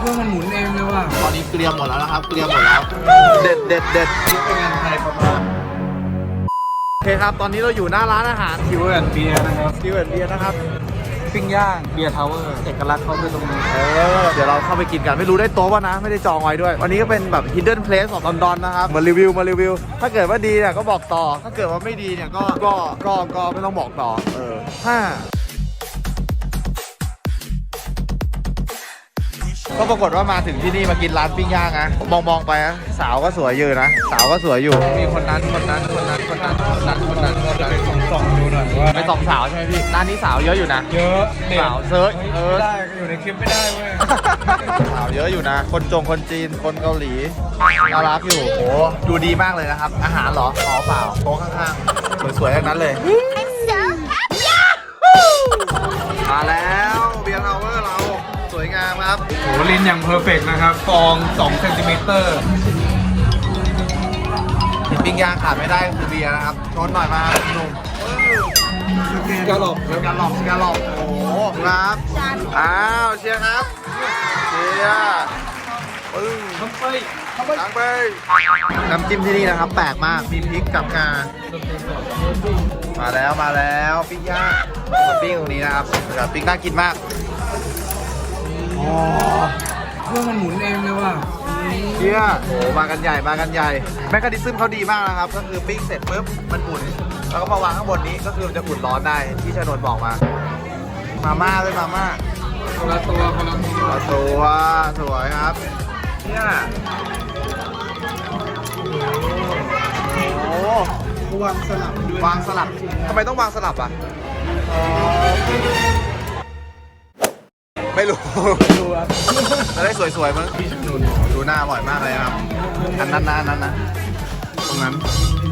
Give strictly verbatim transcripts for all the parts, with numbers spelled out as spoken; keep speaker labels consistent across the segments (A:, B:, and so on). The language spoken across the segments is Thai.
A: เครื่องมันหมุนเองเลยว่ะ
B: ตอนนี้เกลียมหมดแล้วนะครับเกลียมหมดแล้วเด็ดเด็ดเด็ด
A: คิดเป็นเงินไทยประมาณ
B: โอเคครับตอนนี้เราอยู่หน้าร้านอาหาร
A: คิวแอนเบียร์นะครับ
B: คิวแอนเบียร์นะครับ
A: ปิ้งย่างเบียร์ทาวเวอร์เอกลักษณ์เขาคือตรงนี้
B: เออเดี๋ยวเราเข้าไปกินกันไม่รู้ได้โต๊ะป่ะนะไม่ได้จองไว้ด้วย วันนี้ก็เป็นแบบ hidden place ของลอนดอนนะครับมารีวิวมารีวิวถ้าเกิดว่าดีเนี่ยก็บอกต่อถ้าเกิดว่าไม่ดีเนี่ยก็ก็ก็ก็ไม่ต้องบอกต่อเออห้าก็ปรากฏว่ามาถึงที่นี่มากินร้านปิ้งย่างนะมองมองไปนะสาวก็สวยอยู่นะสาวก็สวยอยู่มีคนนั้นคนนั้นคนนั้นคนนั้นคนนั้นคนนั้นคนนั้น
A: ส่องส่องดูหน่อยว่า
B: ไปสองสาวใช่ไหมพี่ร้านนี้สาวเยอะอยู่นะ
A: เยอะเด็ก
B: สาวเซิร์ชเออ
A: ได้อยู่ในคลิปไม่ได้เว้ย
B: สาวเยอะอยู่นะ คนจงคนจีนคนเกาหลีน่ารักอยู่โอ้ดูดีมากเลยนะครับ อาหารเหรออ๋อเปล่าโต๊ะข้างๆสวยๆทั้งนั้นเลยมาแล้วเบียร์ทาวเวอร์เราสวยงามครับ
A: โหลิ้นอย่างเพอร์เฟกต์นะครับฟองสองเซนติเมตร
B: ปิ้งย่างขาดไม่ได้คือเบียร์นะครับชนหน่อยมาหนุ่ม
A: กระหล่อม
B: สกาลอบสกาลอบโอ้โหครับอ้าวเชียร์ครับเชียร์ปึ้ง
A: ทำไป
B: ล้างไปน้ำจิ้มที่นี่นะครับแปลกมากมีพริกกับงามาแล้วมาแล้วปิ้งย่างปิ้งตรงนี้นะครับแบบปิ้งน่ากินมากอ๋อ
A: เครื่องมันหมุนเองเลยว่ะ
B: เชียร์โอ้มากันใหญ่มากันใหญ่แมคคานิซึมเขาดีมากนะครับก็คือปิ้งเสร็จปุ๊บมันหมุนแล้วก็มาวางข้างบนนี้ก็คือมันจะอุ่นร้อนได้ที่ชนนบอกมามาม่าด้วยมาม่า
A: คนละตัวคนละตัว
B: เอาตัวสวยครับเนี่ยโอ้
A: วางสลับด้วย
B: วางสลับทำไมต้องวางสลับอ่ะไม่รู้
A: ดูครับ
B: จะได้สวยๆมั้งดูหน้าอร่อยมากเลยครับอันนั้นนะอันนั้นนะตรงนั้น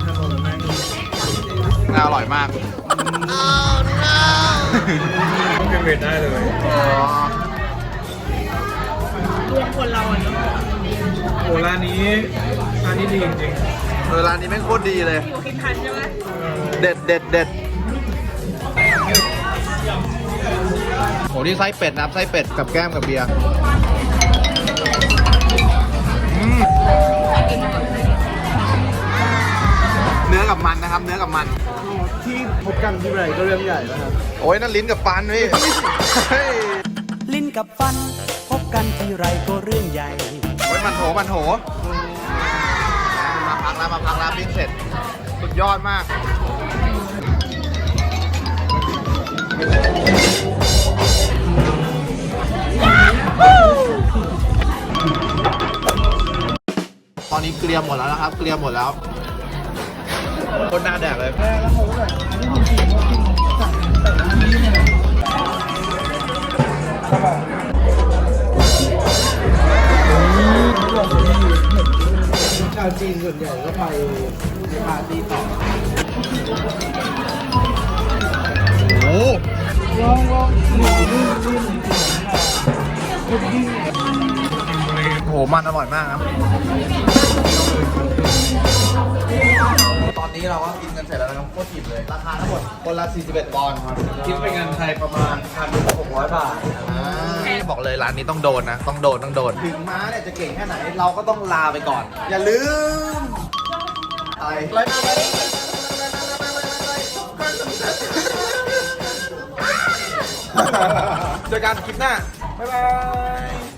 B: หน้าอร่อยมาก
A: ต้องเป็นเวทได้เลย
B: อ๋อ
C: คนเราอ่ะเนาะ
A: โอ้ร้านนี้ร้านนี้ดีจริง
B: เออร้านนี้แม่งโคตรดีเลย
C: อยู่คิดทันใช่ไหม
B: เด็ดเด็ดเด็ดโหนี่ไส้เป็ดนะครับไส้เป็ดกับแก้มกับเบียร์อืมเนื้อกับมันนะครับเนื้อกับมัน
A: ที่พบกันที่ไรก็เรื่องใหญ่แล้วครับ
B: โอ้ยนั่นลิ้นกับฟันพี่เฮ้ย
D: ลิ้นกับฟันพบกันทีไรก็เรื่องใหญ่
B: โอ้ยมันโถมันโถมาพักแล้วมาพักแล้วปิ้งเสร็จสุดยอดมากตอนนี้เกลียมหมดแล้วนะครับเกลียมหมดแล้วคนหน้าแดกเลย
A: ชาวจีนส่วนใหญ่ก็ไปปาร์ตี้ต่อ
B: โอ้โห
A: ลองลองหมูนุ่มนุ่ม
B: โอ้โหมันอร่อยมากครับตอนนี้เราก็กินกันเสร็จแล้วนะครับโคตรอิ่มเลยราคาทั้งหมดคนละสี่สิบเอ็ดปอนด์ครับ
A: คิดเป็นเงินไทยประมาณพันหกร้อยบาท
B: บอกเลยร้านนี้ต้องโดนนะ ต้องโดนต้องโดน ถึงม้าเนี่ยจะเก่งแค่ไหน เราก็ต้องลาไปก่อน อย่าลืมอะไรเจอกันคลิปหน้า บ๊ายบาย